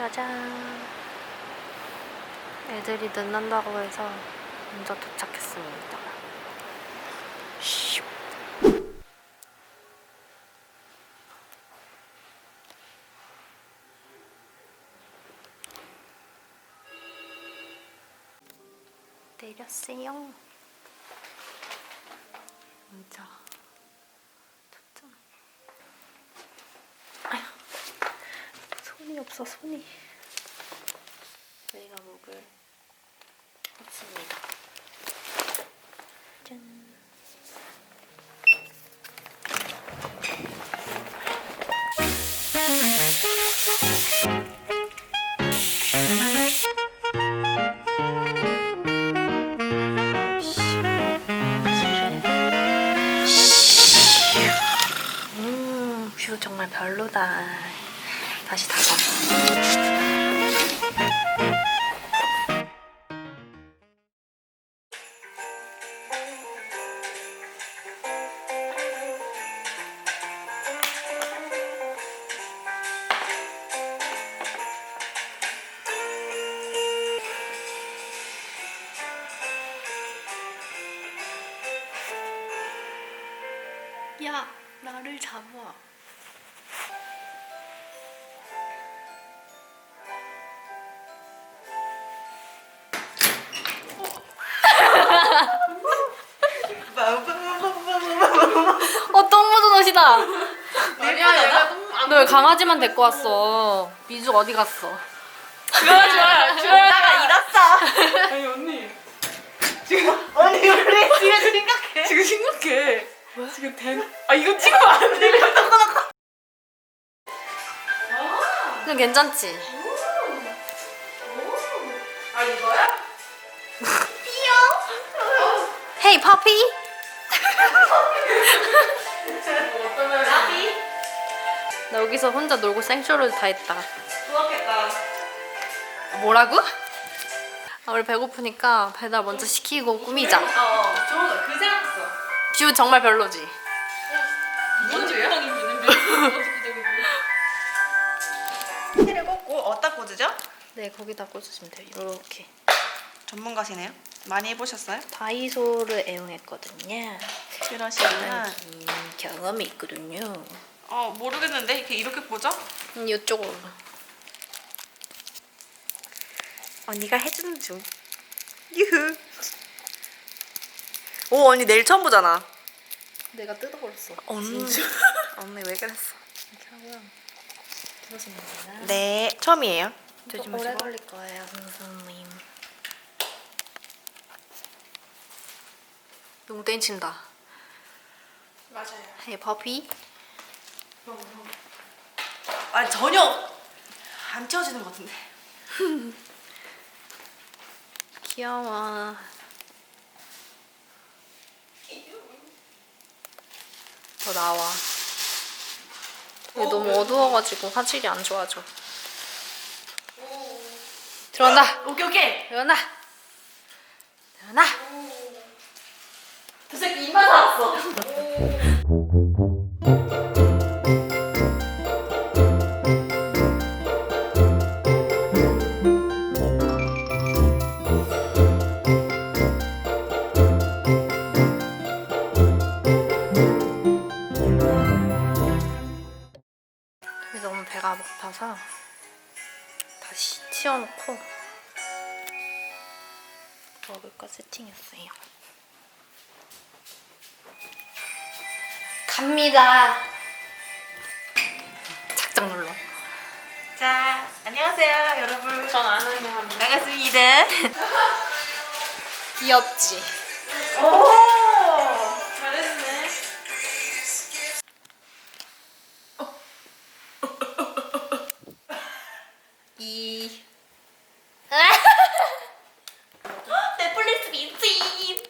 짜잔. 애들이 늦는다고 해서 먼저 도착했습니다. 슉. 내렸어요. 진짜 좋죠. 아휴, 손이 없어. 손이. 저희가 먹을 없습니다. 짠. 뷰 정말 별로다. 다시 닫아. 야, 나를 잡아. 똥 묻은 옷이다. 아니야, 얘가 똥 안. 너 왜 강아지만 데리고 왔어? 미주 어디 갔어? 좋아. 나가 잃었어. 아니 언니. 언니 우리 지금 생각해. 지금 심각해. 왜? 지금 이거 찍으면 안 돼. 그냥 괜찮지? 아 이거야? 헤이 파피? 어떠면 나 여기서 혼자 놀고 생쇼를 다 했다. 좋았겠다. 뭐라고? 우리 배고프니까 배달 먼저 시키고 꾸미자. 좋아. 그 생각했어. 뷰 정말 별로지? 뭔데요? 힌트를 꽂고 어디다 꽂으죠? 네, 거기다 꽂으시면 돼요. 이렇게. 전문가시네요. 많이 해보셨어요? 다이소를 애용했거든요. 그러시구나. 경험이 있거든요. 모르겠는데 이렇게 보죠? 이쪽으로. 언니가 해주는 중. 유후. 오 언니 내일 처음 보잖아. 내가 뜯어버렸어. 언니. 언니 왜 그랬어? 이렇게 하고요. 들어주면 됩니다. 네 처음이에요. 오래 조심하시고. 걸릴 거예요, 선생님. 너무 땡친다. 맞아요. 헤이 퍼피. 아니 전혀 안 채워지는 것 같은데. 귀여워. 더 나와. 근데 너무 어두워가지고 화질이 안 좋아져. 들어간다. 오케이. 들어간다. 들어간다. 그 새끼 입만 살았어. 너무 배가 고파서 다시 치워놓고 먹을 거 세팅했어요. 갑니다. 작작 눌러. 자 안녕하세요 여러분. 전 안 하는 거 합니다. 반갑습니다. 귀엽지? 오 잘했네. 이 넷플릭스 미친.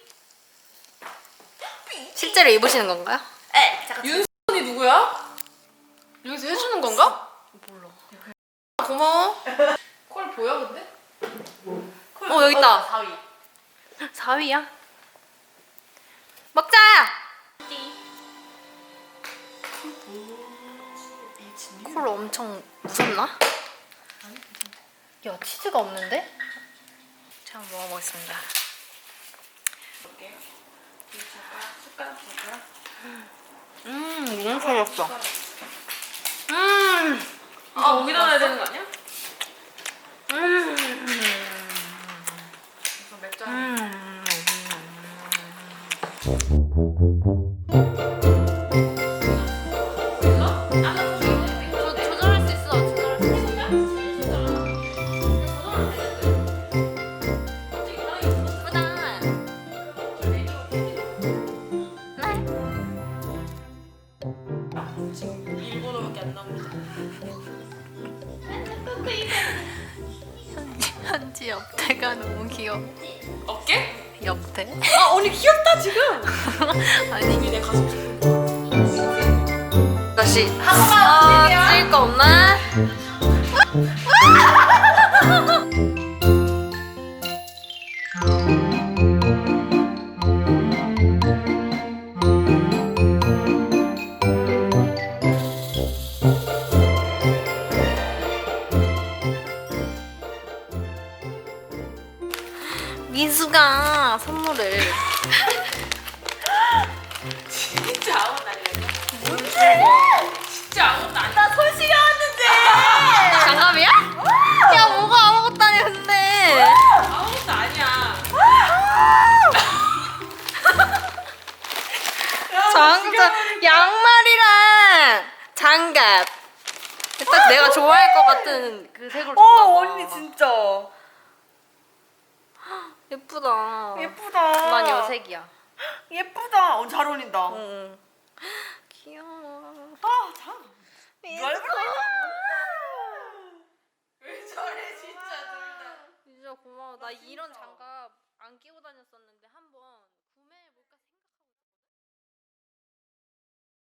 실제로 입으시는 건가요? 에 잠깐. 윤선이 누구야? 여기서 해주는 건가? 몰라. 고마워. 콜 보여 근데? 여기 있다. 4위. 4위야? 먹자! 콜 엄청 무섭나? 야, 치즈가 없는데? 자, 한번 먹어보겠습니다. 볼게요. 숟가락. 너무 살렸어. 이거 여기다 놔야 되는 거 아니야? 이거 맥주 한 조절할 수 있어. 조절할 수 있어. 예쁘다. 지금 일본어밖에 안 나옵니다. 현지 옆태가 너무 귀여워. 어깨? 옆태? 아 언니 귀엽다 지금. 아니, 이게 내 가슴. 다시. 찍을 거 없나? 민수가 선물을 진짜 아무것도 아니야. 진짜 아무것도 아니야. 나 솔직히 왔는데. 장갑이야? 야, 뭐가 아무것도 아니야 근데. 아무것도 아니야. 장갑, 양말이랑 장갑. 딱 내가 좋아할 것 같은 그 색으로 줬나 봐. 언니 진짜 예쁘다. 예쁘다. 난 여색이야. 예쁘다. 잘 어울린다. 응. 귀여워. 아, 참. 민수가. 왜 저래 진짜 둘 다. 진짜 고마워. 나 이런 장갑 안 끼고 다녔었는데 한